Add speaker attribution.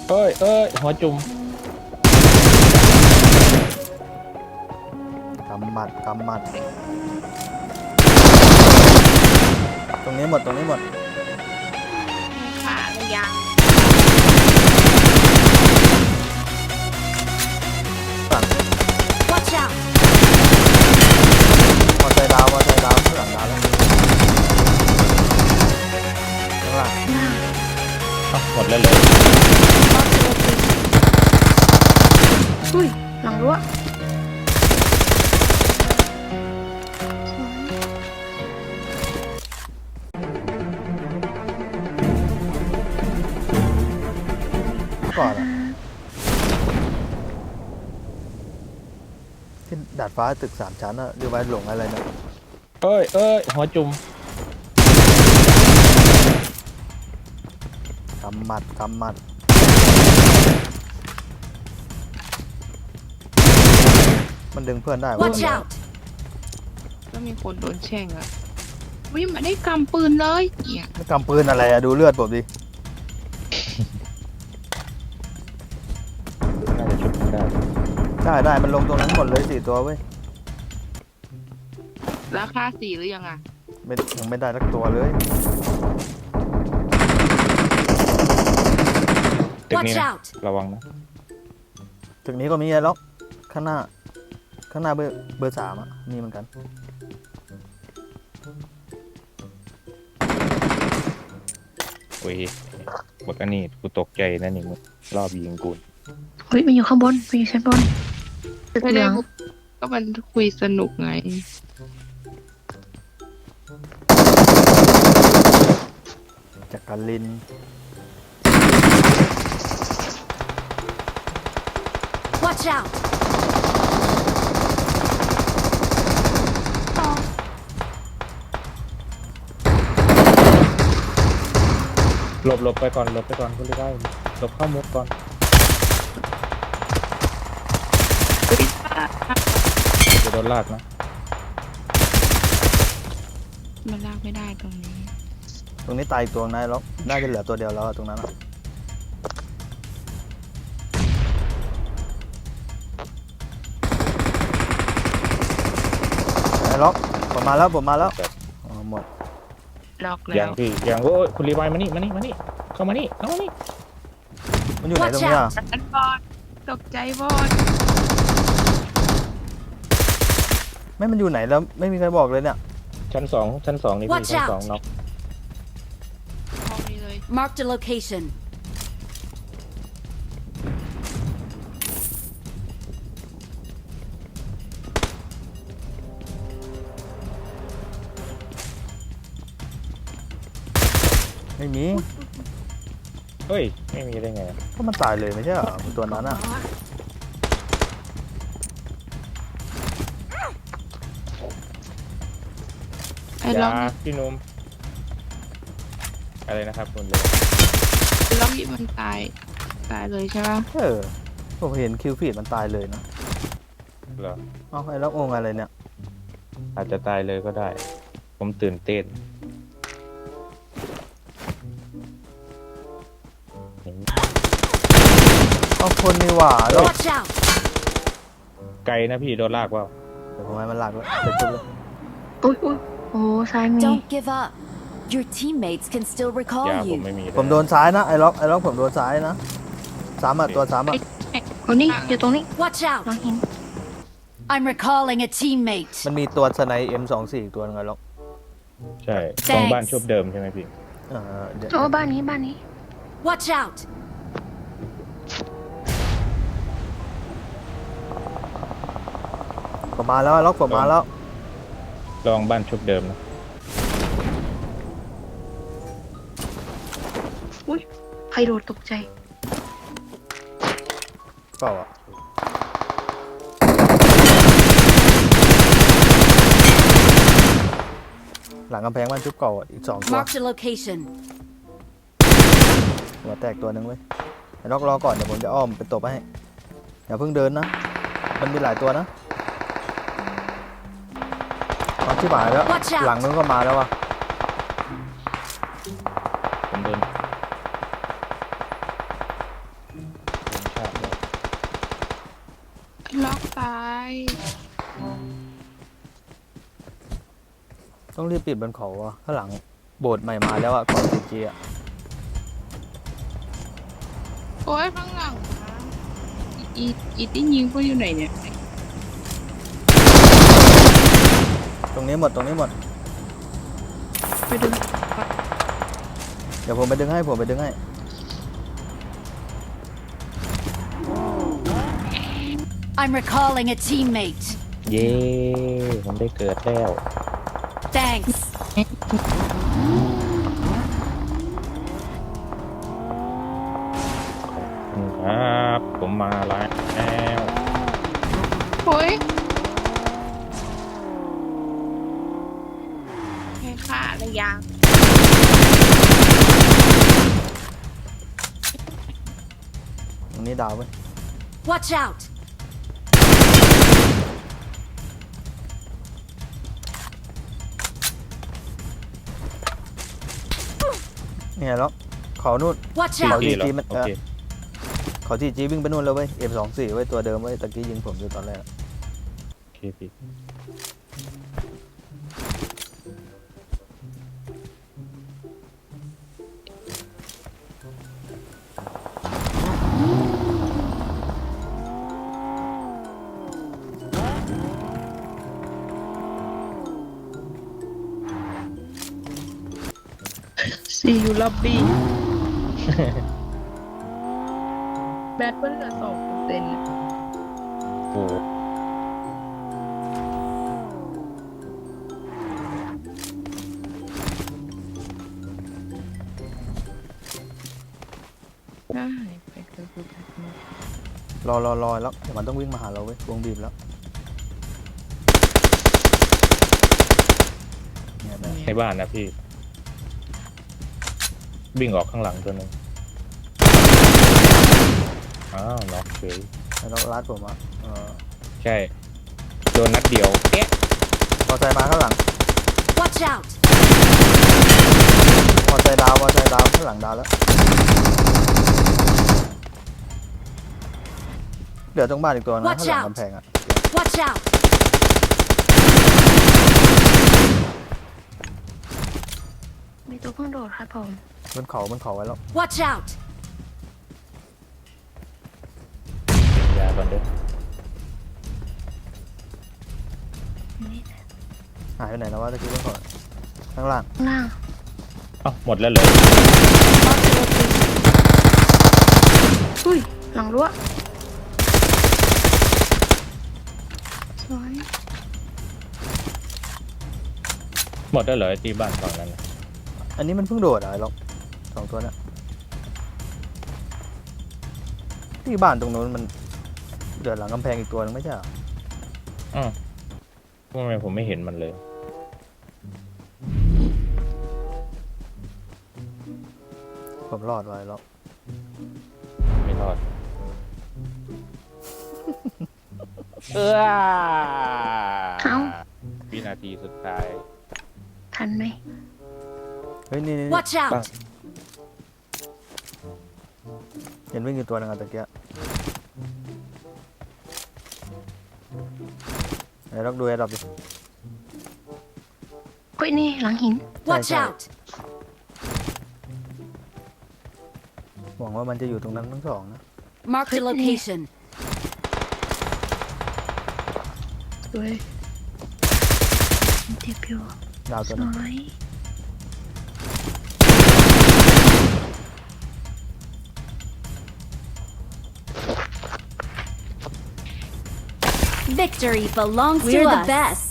Speaker 1: หัวจุ่ม
Speaker 2: กำหมัดตรงนี้หมด
Speaker 3: ขาหรือยัง
Speaker 2: ฝั่ง
Speaker 4: Watch out!
Speaker 2: มอเตอร์ดาวข้างหลังดาวแล้วข้างล่าง
Speaker 1: หมดแล้วเลย
Speaker 3: อุ้ยหลังรั้ว
Speaker 2: ก่อนอะที่ดาดฟ้าตึก3 ชั้นอะเรียกว่าหลงอะไรนะ
Speaker 1: หัวจุ่ม
Speaker 2: กำหมัดมันดึงเพื่อนได้วะ
Speaker 4: Watch out!
Speaker 3: ก็มีคนโดนแช่งอ่ะวิ่งมาได้กำปืนเลยเนี่ย
Speaker 2: ไม่กำปืนอะไรอะดูเลือดผมดิ
Speaker 1: น่าจะชุบได้
Speaker 2: ได้มันลงตรงนั้นหมดเลย4 ตัวเว้ย
Speaker 3: ราคา4หรือยังอ่ะ
Speaker 2: ยังไม่ได้สักตัวเลย
Speaker 1: ตึก
Speaker 4: Watch
Speaker 1: นี้นะ
Speaker 4: out!
Speaker 1: ระวังนะ
Speaker 2: ตึกนี้ก็มีไอ้ล็อกข้างหน้าเบอร์ 3อะมีเหมือนกัน
Speaker 1: โอ้ยบอกอันนี้กูตกใจนะนี่มึงรอบยิงกู
Speaker 5: เฮ้ยมันอยู่ข้างบนมันอยู่ชั้นบนตึก
Speaker 3: ไม่
Speaker 5: เหลื
Speaker 3: ได้
Speaker 5: อง
Speaker 3: ก็มันคุยสนุกไง
Speaker 2: จักริน
Speaker 4: Watch out!
Speaker 1: หลบไปก่อนคุณได้หลบเข้ามุดก่อนจะโดนลากนะ
Speaker 3: มันลากไม่ได้ตรงนี้
Speaker 2: ตรงนี้ตายอีกตัวนะไอ้ล็อกน่าจะเหลือตัวเดียวแล้วอะตรงนั้นอะไอ้ล็อกผมมาแล้วอ๋อหมด
Speaker 3: ล็อกแล้
Speaker 1: อย่าง
Speaker 3: ว
Speaker 1: พี่อย่างโอ้ยคุณรีไวมานี่เข้ามานี่
Speaker 2: มันอยู่ไหนตรงเนี้ย
Speaker 3: อันบอดตกใจบอด
Speaker 2: ไม่มันอยู่ไหนแล้วไม่มีใครบอกเลยเนี่ย
Speaker 1: ชั้นสองนี่พี่
Speaker 4: Watch
Speaker 1: ชั้น
Speaker 4: out
Speaker 1: 2น็อก
Speaker 3: ห้องนี้เลย
Speaker 4: Marked a location.
Speaker 2: ไม่มี
Speaker 1: เฮ้ยไม่มีได้ไง
Speaker 2: ก็มันตายเลยไม่ใช่เหรอตัวนั้นอะ
Speaker 3: ไอ้ล็อก
Speaker 1: ยาพี่นุ่มอะไรนะครับคุณเลย
Speaker 3: ล็อกนี่มันตายเลยใช่ปะ
Speaker 2: ผมเห็นคิวฟีดมันตายเลยนะ
Speaker 1: เหรอ
Speaker 2: เอ้าไอ้ล็อกองอะไรเนี่ย
Speaker 1: อาจจะตายเลยก็ได้ ผมตื่นเต้น
Speaker 2: เอาคนนี่หว่าแล้ว
Speaker 4: Watch out!
Speaker 1: ไกลนะพี่โดนลากว่า
Speaker 2: เดี๋ยวผมให้มันหลักแล้วเสร็จจุดเลย
Speaker 5: อุ้ยโอ้ซ้ายมี
Speaker 4: Don't give up. Your teammates can still
Speaker 1: ยา
Speaker 4: recall
Speaker 1: ผม
Speaker 4: you.
Speaker 1: ไม่มีเลย
Speaker 2: ผมโดนซ้ายนะไอ้ล็อกผมโดนซ้ายนะซ้ำอะตัวซ้ำอะ
Speaker 5: คนนี้อยู่ตรงนี้
Speaker 4: Watch
Speaker 5: หลัง
Speaker 4: out!
Speaker 5: หิน
Speaker 4: I'm recalling a teammate.
Speaker 2: มันมีตัวสไน M24 อีกตัวนึงไงล็อก
Speaker 1: ใช่ตรงบ้านชุบเดิมใช่ไหมพี่
Speaker 2: เดี๋ยว
Speaker 5: โอ้บ้านนี้
Speaker 4: Watch out!
Speaker 2: ผมมาแล้วไอ้ล็อกผมมาแล้ว
Speaker 1: ลองบ้านชุบเดิมนะ
Speaker 5: อุ้ยใครโดดตกใจ
Speaker 2: เปล่าอะหลังกำแพงบ้านชุบเก่าอะอีก2 ตัว
Speaker 4: Marked a location.
Speaker 2: หัวแตกตัวหนึ่งเว้ยไอ้ล็อกรอก่อนเดี๋ยวผมจะอ้อมไปตบให้อย่าเพิ่งเดินนะมันมีหลายตัวนะเอาที่หมายแล้ว
Speaker 4: Watch out
Speaker 2: หลังนู้นก็มาแล้วว่ะ
Speaker 1: ผมเดิน
Speaker 3: ล็อกตาย
Speaker 2: ต้องรีบปิดบนเขาอ่ะข้างหลังโบสถ์ใหม่มาแล้วอ่ะก่อนซีจีอ่ะ
Speaker 3: โอ้ยข้างหลังนะอีที่ยิงพวกอยู่ไหนเนี่ย
Speaker 2: ตรงนี้หมดตรงนี้หมด
Speaker 3: ไปดู
Speaker 2: เดี๋ยวผมไปดึงให้ผมไปดึงให้
Speaker 4: I'm recalling a teammate.
Speaker 1: เย้ผมได้เกิดแล้ว
Speaker 4: Thanks.
Speaker 1: ครับผมมาแล้ว
Speaker 3: โอ้ยแค่ฆ่าระยะ
Speaker 2: ตรงนี้ดาวไป
Speaker 4: Watch out.
Speaker 2: เนี่ยแล้วเขานู่น
Speaker 4: Watch
Speaker 2: เขา
Speaker 4: out.
Speaker 2: ดี
Speaker 1: เหรอ
Speaker 2: จีมัน
Speaker 1: โอเค
Speaker 2: เขาทีจีวิ่งไปนู่นแล้วเว้ย M24 ไว้ยตัวเดิมไว้ยตะกี้ยิงผมอยู่ตอนแรก
Speaker 1: โอเคพี่
Speaker 3: ซีอยู่ล็อบบี้ แบตเพิ่งเหลือ2%
Speaker 1: โอ้โห
Speaker 3: ได้ไปเกิดคือแบตหมด
Speaker 2: รอแล้วเดี๋ยวมันต้องวิ่งมาหาเราเว้ยวงบีบแล้วเนี่ยนะ
Speaker 1: ในบ้านนะพี่วิ่งออกข้างหลังตัวหนึงอ้าวน็อกเฉย
Speaker 2: แล้วรัดผมอ่ะ
Speaker 1: ใช่โดนนัดเดียวแกะ
Speaker 2: พอใจมาข้างหลัง
Speaker 4: Watch out.
Speaker 2: พอใจดาวข้างหลังดาวแล้วเดี๋ยวตรงบ้านอีกตัวนะ
Speaker 4: Watch
Speaker 2: ข้างหลัง
Speaker 4: out
Speaker 2: กำแพงอ่ะ
Speaker 4: Watch out.
Speaker 5: มีตัวเพิ่งโดดครับผม
Speaker 2: บนเขาไว้แล้ว
Speaker 4: Watch out.
Speaker 1: กินยาก่อนเด้อ
Speaker 5: นี่
Speaker 2: หายไปไหนแล้ววะตะกี้บนเขาข้างล่าง
Speaker 5: ข้างล่าง
Speaker 1: เอ้าหมดแล้วเหรอ
Speaker 5: อุ้ย หลังรั้วสวย
Speaker 1: หมดแล้วเหรอไอ้ที่บ้านฝั่งนั้นน่ะ
Speaker 2: อันนี้มันเพิ่งโดดอะไรหรอกสองตัวน่ะที่บ้านตรงนู้นมันเดือดหลังกำแพงอีกตัวนึงไม่ใช่เหรอ
Speaker 1: อ้าวทำไมผมไม่เห็นมันเลย
Speaker 2: ผมรอดไว้แล้ว
Speaker 1: ไม่รอด
Speaker 5: เอ้า
Speaker 1: วินาทีสุดท้าย
Speaker 5: ทันไหม
Speaker 2: เฮ้ยนี่
Speaker 4: Watch out.
Speaker 2: เห็นวิ่งอยู่ตัวนึงอะตะกี้ไหนลองดูแอร์ดรอปดิ
Speaker 5: เฮ้ยนี่หลังหิน
Speaker 4: Watch out.
Speaker 2: หวังว่ามันจะอยู่ตรงนั้นทั้งสองนะ
Speaker 4: Mark the location.
Speaker 5: สวยเจ็บอยู่
Speaker 2: ดาว
Speaker 5: ส
Speaker 2: ตัวนึง
Speaker 5: วย
Speaker 4: Victory belongs to us. We're the best.